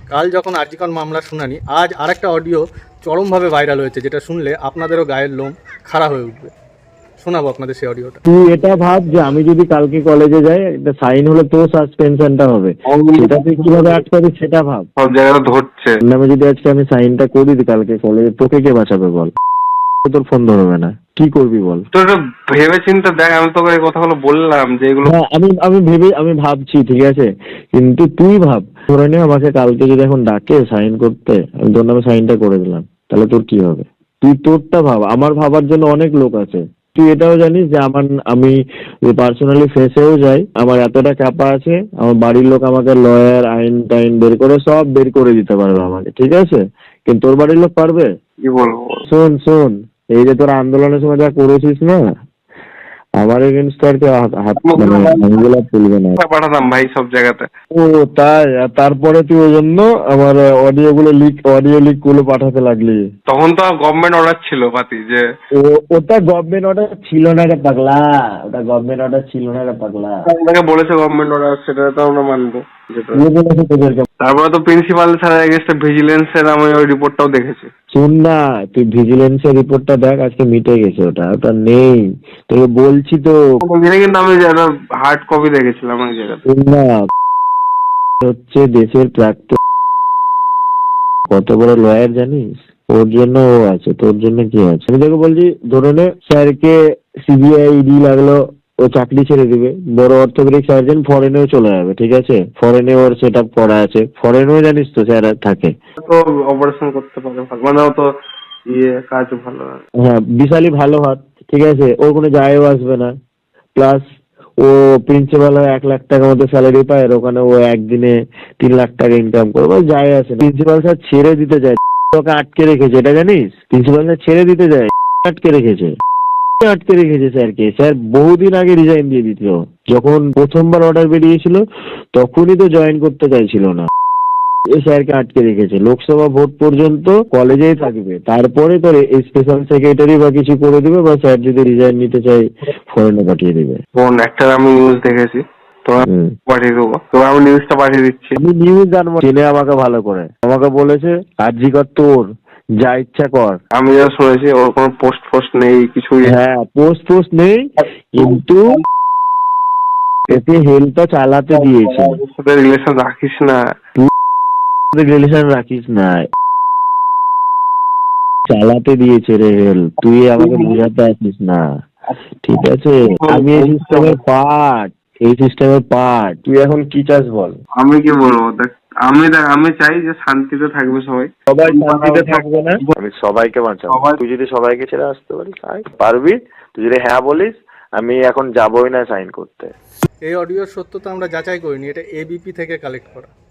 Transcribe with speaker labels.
Speaker 1: কাল যখন আরজিকর মামলার শুনানি, আজ আরেকটা অডিও চরমভাবে ভাইরাল হয়েছে, যেটা শুনলে আপনাদেরও গায়ের লোম খাড়া হয়ে উঠবে। শোনাবো আপনাদের সেই অডিওটা।
Speaker 2: তুই এটা ভাব যে আমি যদি কালকে কলেজে যাই, একটা সাইন হলে তো সাসপেনশনটা হবে, সেটা তুই কিভাবে আটকাবি সেটা ভাব।
Speaker 3: সব জায়গায় ধরছে।
Speaker 2: নামে যদি আজকে আমি সাইনটা করি দিই কালকে কলেজে, তোকে কে বাঁচাবে বল? তোর ফোন ধরবে না, কি করবি বল?
Speaker 3: তো একটু ভেবে চিন্তে দেখ, আমি তোকে এই কথাগুলো বললাম যে এগুলো।
Speaker 2: হ্যাঁ, আমি ভাবছি, ঠিক আছে, কিন্তু তুই ভাব, ধরে নে আমাকে কালকে যদি এখন ডাকে সাইন করতে, আমি তোর নামে সাইনটা করে দিলাম, তাহলে তোর কি হবে? তুই তোরটা ভাব, আমার ভাবার জন্য অনেক লোক আছে। তুই এটাও জানিস যে আমি পার্সোনালি ফেসেও যাই, আমার এতটা ক্যাপা আছে, আমার বাড়ির লোক আমাকে লয়ার আইন টাইন বের করে সব বের করে দিতে পারবে আমাকে, ঠিক আছে, কিন্তু তোর বাড়ির লোক পারবে?
Speaker 3: কি বলবো?
Speaker 2: শোন, এই যে তোর আন্দোলনের সময় যা করেছিস না, আমার এগেনস্ট আর কেউ হাত আঙুলা তুলবে না।
Speaker 3: পাঠাতাম ভাই সব জায়গাতে।
Speaker 2: ও তাই? আর তারপরে তুই ওই জন্য আমার অডিও লিক গুলো পাঠাতে লাগলি।
Speaker 3: তখন তো গভর্নমেন্ট অর্ডার ছিল পাতি যে
Speaker 2: ওটা গভর্নমেন্ট অর্ডার ছিল না রে পাগলা, ওটা গভর্নমেন্ট অর্ডার ছিল না রে পাগলা।
Speaker 3: আপনাকে বলেছে গভর্নমেন্ট অর্ডার, সেটা তো আমরা মানবো।
Speaker 2: কে বলেছে তোদেরকে?
Speaker 3: তারপরে তো প্রিন্সিপাল স্যারের এগেন্স্টে ভিজিলেন্সের আমি ওই রিপোর্টটাও দেখেছি।
Speaker 2: শুন না, তুই ভিজিলেন্সের রিপোর্টটা দেখ, আজকে মিটে গেছে, ওটা নেই, তোকে বলছি তো।
Speaker 3: কিন্তু আমি হার্ড কপি দেখেছিলাম এক জায়গাতে।
Speaker 2: শুন না, হচ্ছে দেশের প্রাক্তন কত বড় লয়ার জানিস? ওর জন্য ও আছে, তোর জন্য কি আছে? আমি তোকে বলছি, ধরে নে স্যারকে সিবিআই ইডি লাগলো, ও চাকরি ছেড়ে দিবে, বড় অর্থোপেডিক সার্জন ফরেনেও চলে যাবে, ঠিক আছে, ফরেনে ওর সেট আপ করা আছে, ফরেনেও জানিস তো স্যার থাকে।
Speaker 3: তো অপারেশন করতে পারে ভালো, মানে ও তো কাজ ভালো।
Speaker 2: হ্যাঁ, বিশালই ভালো হাত, ঠিক আছে, ওর কোনো যায়ও আসবে না। প্লাস ও প্রিন্সিপাল হয় 1 লাখ টাকার মতো স্যালারি পায়, আর ওখানে ও একদিনে 3 লাখ টাকা ইনকাম করবে, যায় আসে না। প্রিন্সিপাল স্যার ছেড়ে দিতে যায়, ওকে আটকে রেখেছে, এটা জানিস? প্রিন্সিপাল স্যার ছেড়ে দিতে যায়, আটকে রেখেছে স্যারকে। স্যার বহুদিন আগে রিজাইন দিয়ে দিত, যখন প্রথমবার অর্ডার বেরিয়েছিল তখনই তো জয়েন করতে চাইছিল না। এই স্যারকে আটকে রেখেছে, লোকসভা ভোট পর্যন্ত কলেজেই থাকবে, তারপরে তোর স্পেশাল সেক্রেটারি বা কিছু করে দিবে, বা স্যার যদি রিজাইন নিতে চাই ফরেনে পাঠিয়ে দিবে।
Speaker 3: কোন একটা আমি নিউজ দেখেছি, তোমার পাঠিয়ে দেবো, তোমার আমি নিউজটা পাঠিয়ে দিচ্ছি।
Speaker 2: আমি নিউজ জানবো, চেনে আমাকে ভালো করে, আমাকে বলেছে আরজিকর তোর, যা ইচ্ছা কর।
Speaker 3: আমি যা শুনেছি ওর কোনো পোস্ট নেই, কিছুই।
Speaker 2: হ্যাঁ, পোস্ট নেই, কিন্তু এতে হেলটা চালাতে দিয়েছে।
Speaker 3: রিলেশন রাখিস না,
Speaker 2: রিলেশন রাখিস না, চালাতে দিয়েছে রে হেল, তুই আমাকে বুঝাতে আসিস না, ঠিক আছে? আমি এই সিস্টেমের পার্ট, তুই এখন কি চাস বল?
Speaker 3: আমি কি বলবো? দেখ আমি চাই যে শান্তিতে থাকবে সবাই
Speaker 2: শান্তিতে থাকবে না, আমি সবাইকে বাঁচাবো। তুই যদি সবাইকে ছেড়ে আসতে পারবি, তুই যদি হ্যাঁ বলিস, আমি এখন যাবোই না সাইন করতে।
Speaker 1: এই অডিওর সত্যতা আমরা যাচাই করিনি, এটা এবিপি থেকে কালেক্ট করা।